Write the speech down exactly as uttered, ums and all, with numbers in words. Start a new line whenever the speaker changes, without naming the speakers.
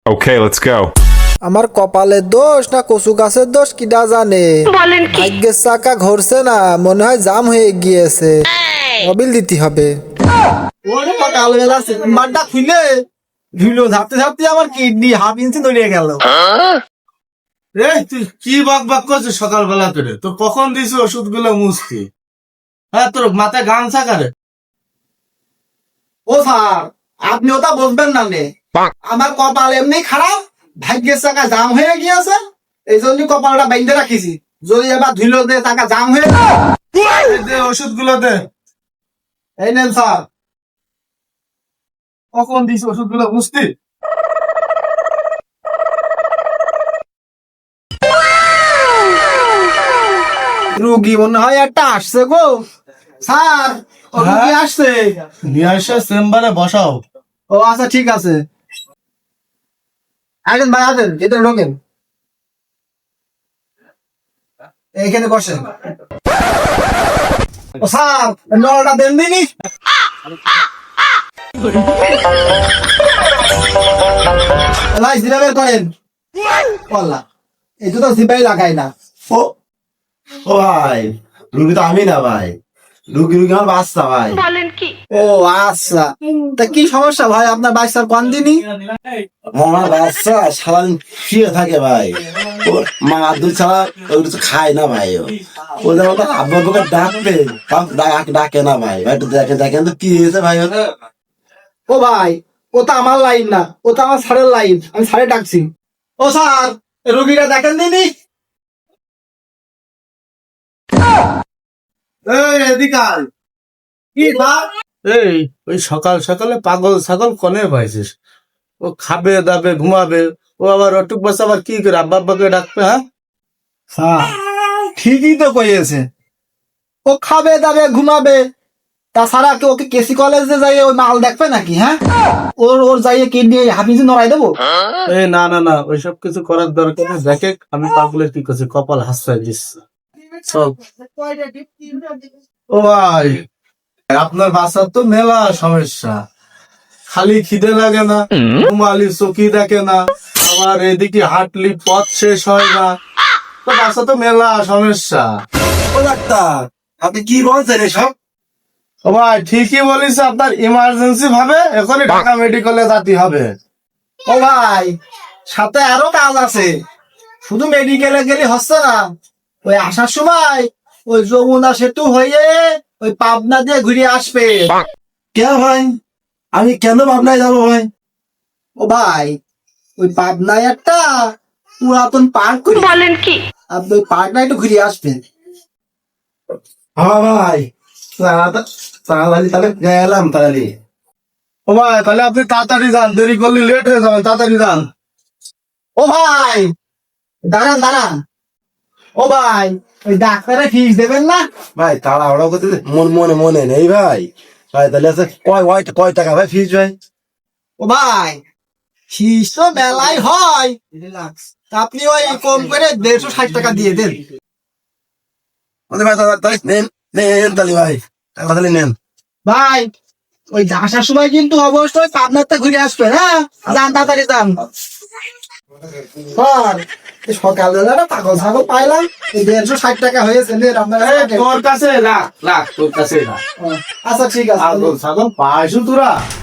Okay, let's go.
আমার কপালের দোষ না কচু গাছের দোষ কিডা জানে।
বলেন কি?
ভাগ্যের চাকা ঘুরছে না, মনে হয় জাম হয়ে গিয়েছে। মোবিল দিতে হবে।
ওরে সকালবেলা চেম্বারটা খুলে ধুলো ঝাপতে ঝাপতে আমার কিডনি হাফ ইঞ্চি দড়িয়ে গেল।
রে তুই কি বক বক করছিস সকালবেলা করে? তো কখন দিস ওষুধ গুলো মুছতি? হ্যাঁ, তোর মাথায় গামছা কারে?
ও স্যার, আপনি ওটা বলবেন না নে। আমার কপাল এমনি খারাপ, ভাগ্যের চাকা জাম হয়ে গিয়েছে, এই জন্য কপালটা বাইন্ধে রাখিছি। যদি এবার ধুলো দে টাকা জাম হয়ে যায়।
দে ওষুধ গুলো দে।
এই নেন স্যার।
কখন দিস ওষুধ গুলো মুছতি?
রুগী মনে হয় একটা আসছে গো স্যার। ও রুগী
হ্যাঁ?
আসছে।
নিয়ে এসে চেম্বারে বসাও।
ও আচ্ছা ঠিক আছে। আসেন ভাই, আসেন, ভিতরে ঢোকেন, এইখানে বসেন। ও স্যার, নলটা দেন দিনি। ভাই জিরা বের করেন। বললা এই তো জিপাই লাগাই না।
ও ও ভাই, রুগী তো আমি না ভাই, রুগী রুগী আমার বাচ্চা ভাই।
বলেন কি?
ও আচ্ছা, তা কি সমস্যা ভাই আপনার বাচ্চার কোন দিনই?
আমার বাচ্চা সারাদিন শুয়ে থাকে ভাই, ওর মা দুধ ছাড়া ও কিছু খায় না ভাই। ও ও যেমন তো আব্বা আব্বাকে ডাকবে, তাও ডাক ডাকে না ভাই। ভাই একটু দেখেন দেখেন তো কি হয়েছে ভাই ওর?
ও ভাই, ও তো আমার লাইন না, ও তো আমার স্যারের লাইন, আমি স্যারে ডাকছি। ও স্যার, রুগীটা দেখেন দিনি।
এই এদিকে আয়।
কি স্যার?
এই ওই সকাল সকালে পাগল ছাগল কনে পাইছিস? ও খাবে দাবে ঘুমাবে, ও আবার অটুক বাচ্চা আবার কি করে আব্বা আব্বাকে ডাকবে? হ্যাঁ,
স্যার ঠিকই তো কইছে, ও খাবে দাবে ঘুমাবে, তাছাড়া কি ওকে কেসি কলেজে যাই ওই মাল দেখবে নাকি? হ্যাঁ, ওর ওর যাইয়ে কিডনি হাফিজি নড়াই দেবো?
এই না না না, ওইসব কিছু করার দরকার নেই। দেখে আমি পাগলের কি করছি, কপাল হাসতে দিচ্ছে। চল। ও ভাই, আপনার বাচ্চার তো মেলা সমস্যা, খালি খিদে লাগে না, ঘুমালি চোখই দেখে না, আবার এদিকে হাঁটলি পথ শেষ হয় না। তো বাচ্চা তো মেলা সমস্যা।
ও ডাক্তার, আপনি কি বলছেন এসব?
ও ভাই ঠিকই বলিস, আপনার ইমার্জেন্সি ভাবে এখনই ঢাকা মেডিকেলে যেতে হবে।
ও ভাই, সাথে আরো কাজ আছে, শুধু মেডিকেলে গেলে হচ্ছে না। ওই আসার সময় ওই যমুনা সেতু হয়ে ওই পাবনা দিয়ে ঘুরে আসবে।
কে ভাই, আমি কেন ভাবনায় যাবো ভাই?
ও ভাই, ওই পাবনায় একটা পুরাতন পার্ক করে,
বলেন কি?
আপনি ওই পার্কটা একটু ঘুরে আসবেন।
হ্যাঁ ভাই, তাড়াতাড়ি তাড়াতাড়ি তাহলে গেলাম তাহলে।
ও ভাই তাহলে আপনি তাড়াতাড়ি যান, দেরি করলে লেট হয়ে যাবে, তাড়াতাড়ি যান।
ও ভাই দাঁড়ান দাঁড়ান, ও ভাই ওই ডাক্তারের ফিস দেবেন না?
ভাই তাড়াহুড়ো করতে মন মনে মনে নেই ভাই। ভাই তাহলে আছে কয় কয় কয় টাকা ভাই ফিস ভাই?
ও ভাই ফিস তো মেলায় হয়, তা আপনি ওই কম করে দেড়শো ষাট টাকা দিয়ে দেন।
ওদের ভাই তাহলে তাহলে নেন নেন তাহলে ভাই, টাকা তাহলে নেন।
ভাই ওই আসার সময় কিন্তু অবশ্যই পাবনাতে ঘুরে আসবেন। হ্যাঁ, যান তাড়াতাড়ি যান। স্যার এই সকালবেলা পাগল ছাগল পাইলাম, এই দেড়শো ষাট টাকা হয়েছে নেন আপনারা।
এই, তোর কাছে লাখ লাখ, তোর কাছে লাখ।
আচ্ছা ঠিক আছে।
ছাগল ছাগল পাইছো তোরা?